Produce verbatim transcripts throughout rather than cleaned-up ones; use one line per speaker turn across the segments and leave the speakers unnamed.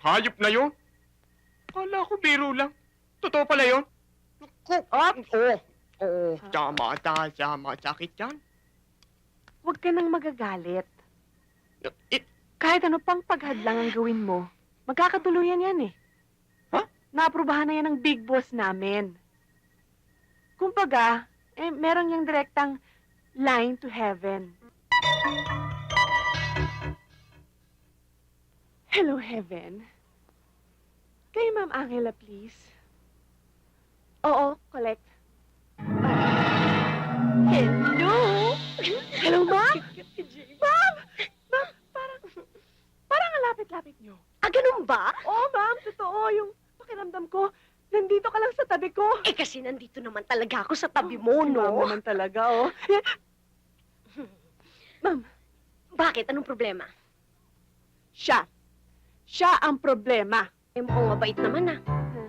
Hayop na yon. Kala ko biro lang. Totoo pala yon.
Op!
Oo. Oo. Tama, tama, tama. Sakit yan.
Huwag ka nang magagalit.
Eh,
Kahit ano pang paghadlang ang gawin mo, magkakatuluyan yan eh.
Ha?
Naaprubahan na yan ng big boss namin. Kumbaga, eh, meron yung direktang line to heaven. Hello, heaven. Kay Ma'am Angela, please. Oo, collect. Hello! Hello, Ma'am? Ma'am! Ma'am, parang... Parang ang lapit-lapit niyo.
Ah, ganun ba?
Oo, ma'am. Totoo. Yung pakiramdam ko, nandito ka lang sa tabi ko.
Eh, kasi nandito naman talaga ako sa tabi mo,
Si Ma'am
no?
naman talaga, oh. Ma'am,
Bakit? Anong problema?
siya. Siya ang problema.
Eh, mukhang mabait naman, ah.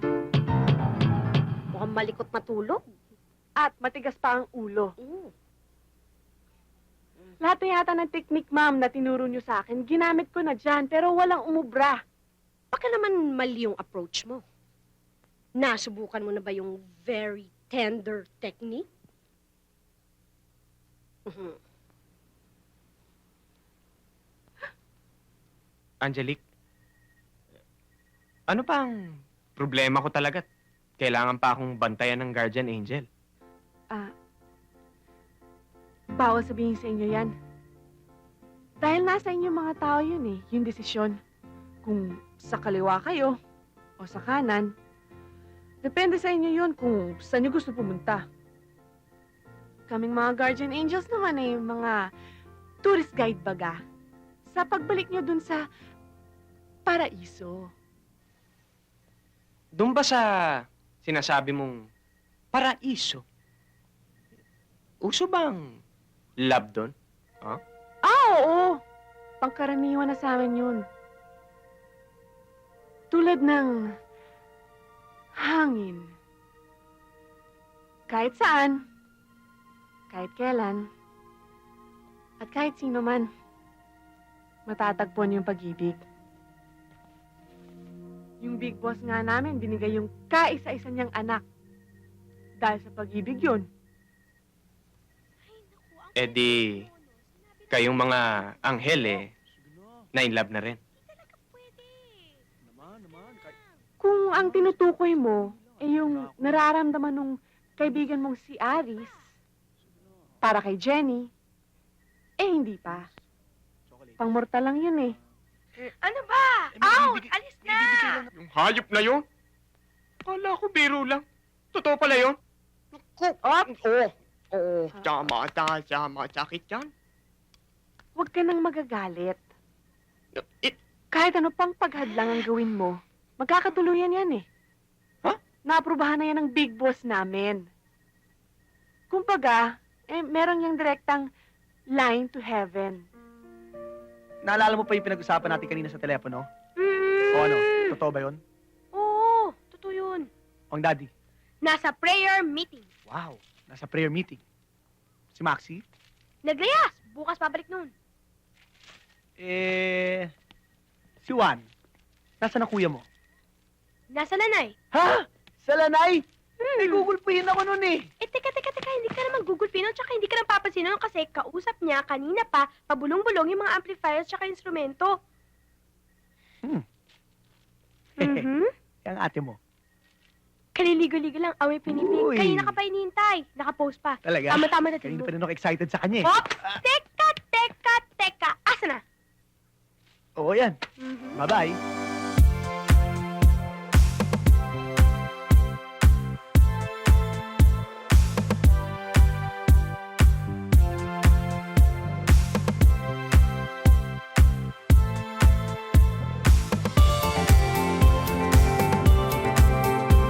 Mukhang malikot matulog.
At matigas pa ang ulo.
Mm.
Lahat na yata ng technique, ma'am, na tinuro niyo sa akin, ginamit ko na dyan, pero walang umubra.
Baka naman mali yung approach mo. Nasubukan mo na ba yung very tender technique? Mhm.
Angelique, ano pa ang problema ko talaga? Kailangan pa akong bantayan ng guardian angel.
Ah, bawal sabihin sa inyo yan. Dahil nasa inyo mga tao yun eh, yung desisyon. Kung sa kaliwa kayo o sa kanan, depende sa inyo yun kung saan nyo gusto pumunta. Kaming mga guardian angels naman eh, mga tourist guide baga. Sa pagbalik nyo dun sa paraiso.
Doon ba sa sinasabi mong paraiso? Uso bang love doon?
Ah, oo! Pangkaraniwan na sa amin yun. Tulad ng hangin. Kahit saan, kahit kailan, at kahit sino man, matatagpuan yung pag-ibig. Yung big boss nga namin, binigay yung kaisa-isa niyang anak. Dahil sa pag-ibig yun.
Eh di, kayong mga anghel eh, na in love na rin.
Kung ang tinutukoy mo ay yung nararamdaman ng kaibigan mong si Aris para kay Jenny, eh hindi pa. Pangmortal lang yun eh.
Ano ba? Out! Alis na!
Yung hayop na yon. Kala ko biro lang. Totoo pala yon.
Op!
Oo. Oo. Tama, tama, tama. Sakit yan.
Huwag ka nang magagalit.
Eh,
Kahit ano pang paghadlang ang gawin mo, magkakatuluyan yan eh.
Ha?
Naaprubahan na yan ng big boss namin. Kumbaga, eh, meron yung direktang line to heaven.
Naalala mo pa yung pinag-usapan natin kanina sa telepono?
Mm.
O ano? Totoo ba yun?
Oo, totoo yun.
O ang daddy?
Nasa prayer meeting.
Wow! Nasa prayer meeting. Si Maxie?
Naglayas! Bukas pabalik nun.
Eh... Si Juan? Nasaan ang kuya mo?
Nasa lanay.
Ha? Sa lanay?
Hmm.
Eh, gugulpihin ako nun eh.
Eh, teka, teka, teka, hindi ka naman gugulpin nun, tsaka hindi ka naman papansin nun kasi kausap niya kanina pa, pabulong-bulong yung mga amplifiers tsaka instrumento.
Hmm.
Mhm.
Ang ate mo.
Kaliligo-ligo lang, away pinipig.
Uy.
Kanina ka pa inihintay. Nakapost pa.
Talaga?
Tama-tama na
Kanina
tulog.
pa rin ako excited sa kanya eh.
Hop! Teka, teka, teka. Asa na?
Oo yan.
Mhm.
Bye-bye.